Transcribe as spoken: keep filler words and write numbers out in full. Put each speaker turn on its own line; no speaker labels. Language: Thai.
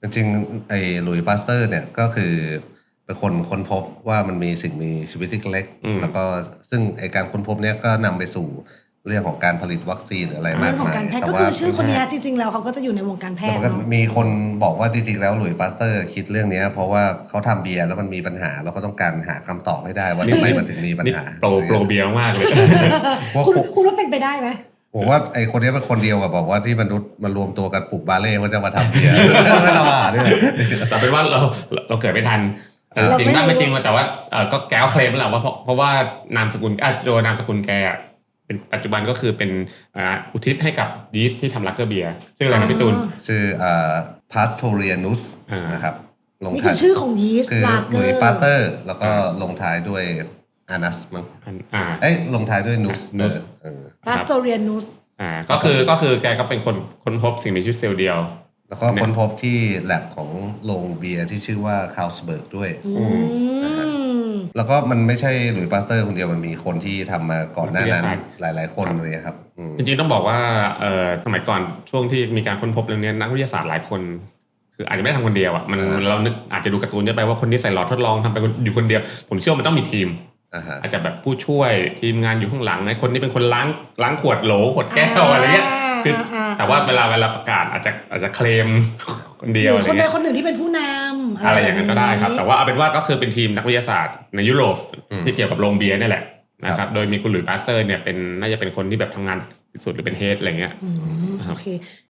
จริงๆไอ้หลุยส์ปาสเตอร์เนี่ยก็คือเป็นคนค้นพบว่ามันมีสิ่งมีชีวิตที่เล็ก
อืม
แล้วก็ซึ่งไอ้การค้นพบเนี่ยก็นำไปสู่เรื่องของการผลิตวัคซีนหรืออะไร
เรื่
มา
อก งของ
มาย
การแพทย์
แต่
ก็
ว่า
คือชื่อคนนี้จริงๆแล้วเขาก็จะอยู่ในวงการแพ
แต่
ท
มั
ย์
นก็
เนาะ
มีคนบอกว่าจริงๆแล้วหลุยส์ปาสเตอร์คิดเรื่องนี้เพราะว่าเขาทำเบียร์แล้วมันมีปัญหาแล้วก็ต้องการหาคำตอบให้ได้ว่าทำไมมันถึงมีปัญ
นี่
หา
โปรโปรเบียร์มากเลย
พวก
คุณคุณว่าเป็นไปได้ไหม
ผมว่าไอ้คนนี้เป็นคนเดียวกับบอกว่าที่มนุษย์มารวมตัวกันปลูกบาเล่ว่าจะมาทำเบียร์ ไม่ละว่าด้วย
แต่เป็นว่าเราเราเกิดไม่ทันเออ
เรา
จริง
ไม่
บ้าง
รู้
ไม่จริงแต่ว่าเออก็แก้วเคลมแล้วว่าเพราะเพราะว่านามสกุลอ่ะโดยนามสกุลแกอ่ะเป็นปัจจุบันก็คือเป็นอ่าอุทิศให้กับยีสต์ที่ทำลักเกอร์เบียร์ซึ่งอะไรนะพี่ตูน
ชื่ออ่า Pastorianus
อ่าน
นะครับลง
นี่
ท้า
คื
ย
อชื่อของยีสต์
คือ
ลา
ห
เก
ลุ
อย
ส์
ร์
ปาสเตอร์ แล้วก็ลงท้ายด้วยอานัสมั้ง
อันอ่า
เอ้ยลงท้ายด้วยนุส
Nus
เออ
ปาสโตเรียนุส
อ่าก็คือก็คือแกก็เป็นคนค้นพบสิ่งมีชีวิตเซลล์เดียว
แล้วก็ค้นพบที่แลบของโรงเบียร์ที่ชื่อว่าคาลสเบิร์กด้วย
อืม
แล้วก็มันไม่ใช่หลุยส์ปาสเตอร์คนเดียวมันมีคนที่ทำมาก่อนหน้านั้น
วิทยาศาสตร์
หลาย ๆ คนเลยครับอืม
จริงๆต้องบอกว่าเอ่อสมัยก่อนช่วงที่มีการค้นพบเรื่องนี้นักวิทยาศาสตร์หลายคน คืออาจจะไม่ได้ทำคนเดียวอ่ะมัน
อ่า
เรานึกอาจจะดูการ์ตูนเยอะไปว่าคนที่ใส่หลอดทดลองทำไปอยู่คนเดียว ผมเชื่อว่ามันต้องมีทีม
อ่าฮะ
อาจจะแบบผู้ช่วยทีมงานอยู่ข้างหลังไอ้คนที่เป็นคนล้างล้างขวดโหลขวดแก้วอะไรเงี้ยคือแต่ว่าเวลาเวลาประกาศอาจจะอาจจะเคลมคน
ห
เดี
รื
ยว
อ
อะไร
คนใด
เงี้ย
คนหนึ่งที่เป็นผู้นำ
อะไรอย่างนั้นก็ได้ครับ แต่ว่าเอาเป็นว่าก็คือเป็นทีมนักวิทยาศาสตร์ในยุโรป
อืม
ที่เกี่ยวกับโรงเบียร์นี่แหละนะค
ครั
รับบ โดยมีคุณหลุยส์ปาสเตอร์เนี่ยเป็นน่าจะเป็นคนที่แบบทำงานที่สุดหรือเป็นเฮดอะไรเงี้ย
อืมโอเค